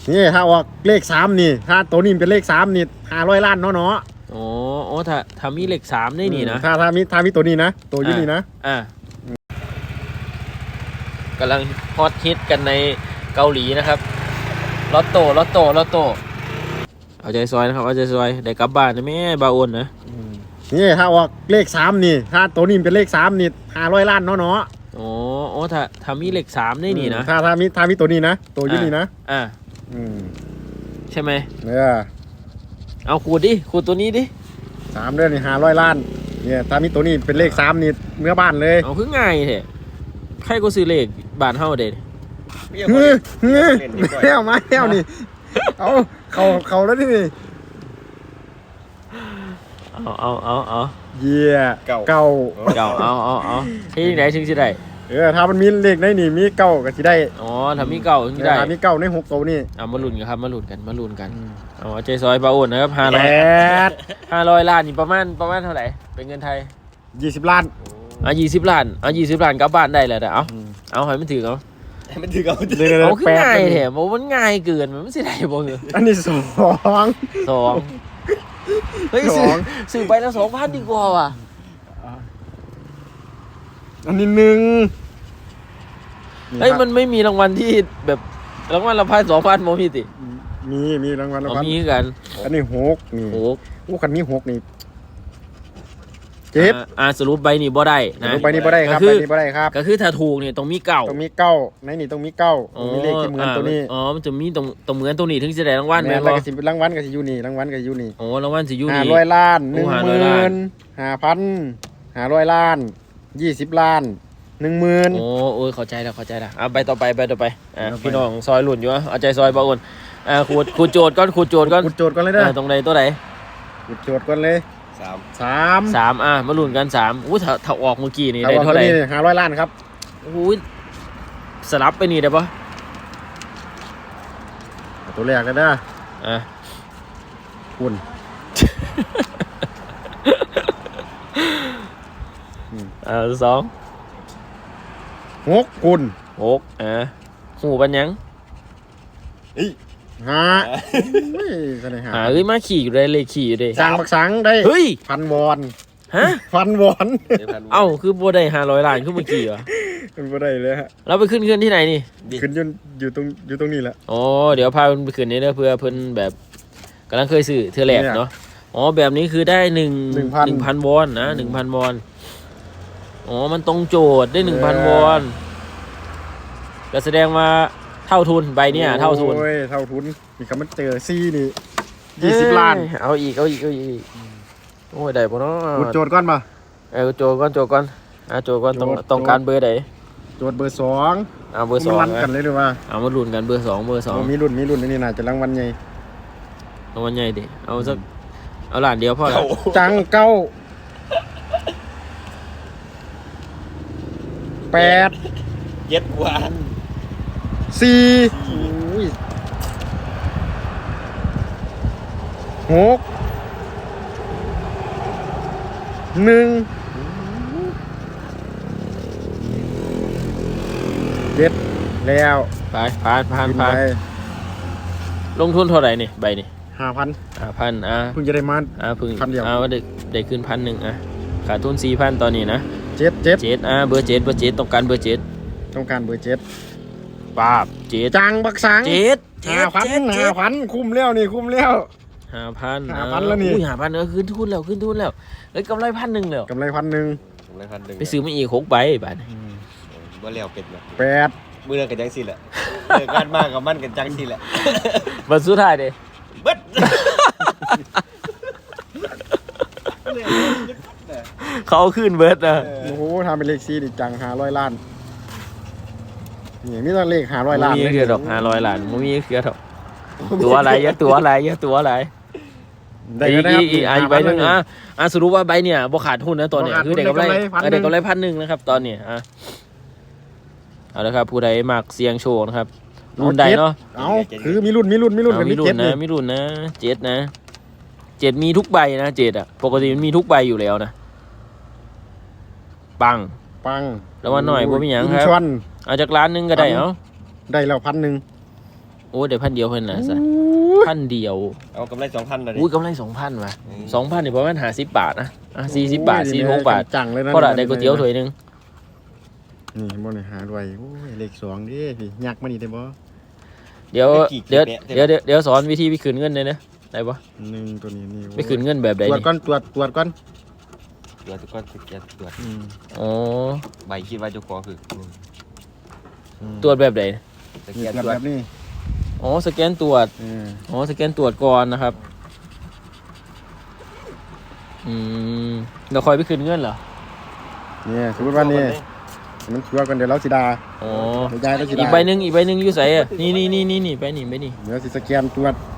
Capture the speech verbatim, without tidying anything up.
นี่ถ้าออกเลขสามนี่ถ้าตัวนี้เป็นเลขสามนี่ห้าร้อยล้านเนาะเนาะอ๋ออ๋อถ้าถ้ามีเลขสามได้นี่นะถ้าถ้ามีถ้ามีตัวนี้นะตัวยี่นี่นะอ่ะกำลังฮอตฮิตกันในเกาหลีนะครับลอตโต้ลอตโต้ลอตโต้เอาใจซอยนะครับเอาใจซอยได้กลับบ้านนะแม่บาโอนนะนี่ถ้าออกเลขสามนี่ถ้าตัวนี้เป็นเลขสามนี่ห้าร้อยล้านเนาะเนาะอ๋ออ๋อถ้าถ้ามีเลขสามได้นี่นะถ้าถ้ามีถ้ามีตัวนี้นะตัวยี่นี่นะอ่าใช่ไหมเนี่ยเอาขูดดิขูดตัวนี้ดิสามเดือนนี่ห้าร้อยล้านเนี่ยถ้ามีตัวนี้เป็นเลขสามนี่เมื่อบ้านเลยเอาคือง่ายแท้ใครก็ซื้อเลขบ้านเฮาเด็ดเฮ้ยเฮ้ยแก้วมาแก้วนี่เอาเขาเขาแล้วนี่เอาเอาเอาเอาเยี่ยเก่าเก่าเก่าเอาเอาเอาที่ไหนถึงสิได้เออถ้ามันมีเลขในนี่มีเก่าก็สิได้อ๋อถ้ามีเก่าถึงได้ถ้ามีเก่าในหกตัวนี่เอามาลุ้นกันครับมาลุ้นกันมาลุ้นกันเอาใจซอยบาโอนนะครับห้าร้อยห้าร้อยล้านนี่ประมาณประมาณเท่าไหร่เป็นเงินไทยยี่สิบล้านอ่ะยี่สิบล้านอ่ะยี่สิบล้านกลับบ้านได้เลยแต่เอาเอาให้มันถือเอาให้มันถือเอาเอาคือง่ายแถมมันง่ายเกินมันไม่ใช่ได้บ่เหรออันนี้สองสองเฮ้ยซื้อซื้อไปแล้วสองพันดีกว่าว่ะอันนี้หนึ่งเฮ้ยมันไม่มีรางวัลที่แบบรางวัลละพันสองพันโมมีติมีมีรางวัลรางวัลมีกันอันนี้หกนี่หกโอ้คันนี้หกนี่เจ็บอ่าสรุปใบนี้บ่ได้นะสรุปใบนี้บ่ได้ครับใบนี้บ่ได้ครับก็คือถ้าถูกเนี่ยต้องมีเก้าต้องมีเก้าในนี่ต้องมีเก้ามีเลขที่เหมือนตัวนี้อ๋อมันจะมีตรงตรงเหมือนตัวนี้ถึงจะได้รางวัลแม่นบ่ก็สิรางวัลก็สิอยู่นี่รางวัลก็อยู่นี่โอ้รางวัลสิอยู่นี่ห้าร้อยล้านหนึ่งหมื่นห้าพันห้าร้อยล้านยี่สิบล้านหนึ่งหมื่นโอ้โอ้ยเข้าใจแล้วเข้าใจแล้วเอาใบต่อไปใบต่อไปอ่าพี่น้องซอยหลุนอยู่เอาใจซอยบ่าวอุ่นอ่าขูดขูดโจทย์ก่อนขูดโจทย์ก่อนขูดโจทย์ก่อนเลยเด้อตรงใดตัวไหนขูดโจทย์ก่อนเลยสามสามสามอ่ะมาลุ้นกันสามอู้ถ้าถ้าออกเมื่อกี้นี่ได้เท่าไหร่ห้าร้อยล้านครับอู้สลับไปนี่ได้ปะตัวแรกเลยนะอ่ะคุณอ่าสองหกคุณหกอ่ะหูปัญญังอีฮะหาเอ้ยมาขี่อยู่ได้เลยขี่อยู่ได้สั่งบักสังได้เฮ้ยพันวอนฮะพันวอนเอ้าคือบัวได้ห้าร้อยล้านขึ้นมาขี่เหรอมันบัวได้เลยฮะเราไปขึ้นขึ้นที่ไหนนี่ขึ้นอยู่อยู่ตรงอยู่ตรงนี้แหละอ๋อเดี๋ยวพาเพิ่นไปขึ้นนี่เด้อเพื่อเพิ่นแบบกำลังเคยซื้อเทื่อแรกเนาะอ๋อแบบนี้คือได้หนึ่งหนึ่งพันหนึ่งพันวอนนะหนึ่งพันวอนอ๋อมันตรงโจทย์ได้หนึ่งพันวอนก็แสดงว่าเท่าทุนใบเนี่ยเท่าทุนโอ้ยเท่าทุนนี่คำมันเจอซีนี่ยี่สิบล้านเอาอีกเอาอีกเอาอีกโอ้ยได้ปะเนาะกดโจทย์ก่อนป่ะเออโจทย์ก่อนโจทย์ก่อนอ่ะโจทย์ก่อนต้องต้องการเบอร์ไหนโจทย์เบอร์สองเอาเบอร์สองมันกันเลยหรือว่าเอามาลุ้นกันเบอร์สองเบอร์สองมีรุ่นมีรุ่นนี่น่าจะรางวัลใหญ่รางวัลใหญ่ดิเอาสักเอาหลานเดียวพอแล้วจังเก้าแปดเย็ดกว่าสี่หกหนึ่งเจ็ดแล้วไปผ่านผ่านผ่านลงทุนเท่าไหร่นี่ใบนี่ห้าพันห้าพันอ่ะเพิ่งจะได้มาอ่ะเพิ่งพันเดียวอ่ะได้ได้ขึ้นพันหนึ่งอ่ะขาดทุนสี่พันตอนนี้นะเจ็ดเจ็ดเจ็ดอ่ะเบอร์เจ็ดเบอร์เจ็ดต้องการเบอร์เจ็ดต้องการเบอร์เจ็ดป้าบเจ็ดจังบักสังเจ็ดห้าพันห้าพันคุ้มแล้วนี่คุ้มแล้วห้าพันห้าพันแล้วนี่ห้าพันเออขึ้นทุนแล้วขึ้นทุนแล้วเลยกำไรพันหนึ่งแล้วกำไรพันหนึ่งกำไรพันหนึ่งไปซื้อมาอีกหกใบบ้านว่าเลี้ยวเป็ดละแปดมือเรื่องกันจังสิแหละเรื่องการมากกับมันกันจังสิแหละบัตรสุดท้ายดิเบิดเขาขึ้นเบิร์ดนะโอ้โหทำเป็นเลขซีดิจังห้าร้อยล้านนี่มีแต่เลขห้าร้อยล้านมีเกือบดอกห้าร้อยล้านมีเกือบดอกตัวอะไรเยอะตัวอะไรเยอะตัวอะไรได้ก็ได้อีกอีกใบหนึ่งอ่ะอ่ะสรุปว่าใบเนี่ยบ่ขาดทุนนะตอนนี้คือเด็กกำไรเด็กกำไรพันหนึ่งนะครับตอนนี้อ่ะเอาละครับผู้ใดมักเสียงโชว์นะครับรุ่นใดเนาะเอาคือมีรุ่นมีรุ่นมีรุ่นมีรุ่นนะมีรุ่นนะเจ็ดนะเจ็ดมีทุกใบนะเจ็ดอ่ะปกติมันมีทุกใบอยู่แล้วนะปังปังแล้ววันหน่อยบ่มีหยังครับเอาจากร้านนึงก็ได้เนาะได้แล้วพันหนึ่งโอ้เดี๋ยวพันเดียวเพิ่นน่ะซะพันเดียวเอากำไรสองพันเลยอุ้ยกำไรสองพันว่ะสองพันนี่ประมาณห้าสิบบาทนะอ่ะสี่สิบบาทสี่หกบาทจังเลยนะเพราะละได้ก๋วยเตี๋ยวถ้วยหนึงนี่บ่ได้หาด้วยโอ้ยเลขสองดิพี่ยักมานี่ได้บ่เดี๋ยวเดี๋ยวเดี๋ยวเดี๋ยวเดี๋ยวสอนวิธีไปคืนเงินเลยนะได้ปะหนึ่งตัวนี้นี่ไปคืนเงินแบบใดตรวจนี่ก่อนตรวจตรวจก่อนตรวจทุกคนตรวจตรวจอืมอ๋อใบคิดว่าเจ้าของคือตรวจแบบใดสนี่แกนตรวจตรวแบจบนี้อ๋อสแกนตรวจเอออ๋อสแกนตรวจก่อนนะครับอืมเราคอยไปคืนเงินเหรอเนี่ยสมมติว่านี่มันตรวจกันเดี๋ยวเราสิดาอ๋อเดี๋ยวยายเราสิอีดากใบหนึ่งอีกใบหนึ่งอยู่ใส่อะนี่นี่นี่นี่นี่ใบนี่ใบนี่เดี๋ยวสิสแกนตรวจ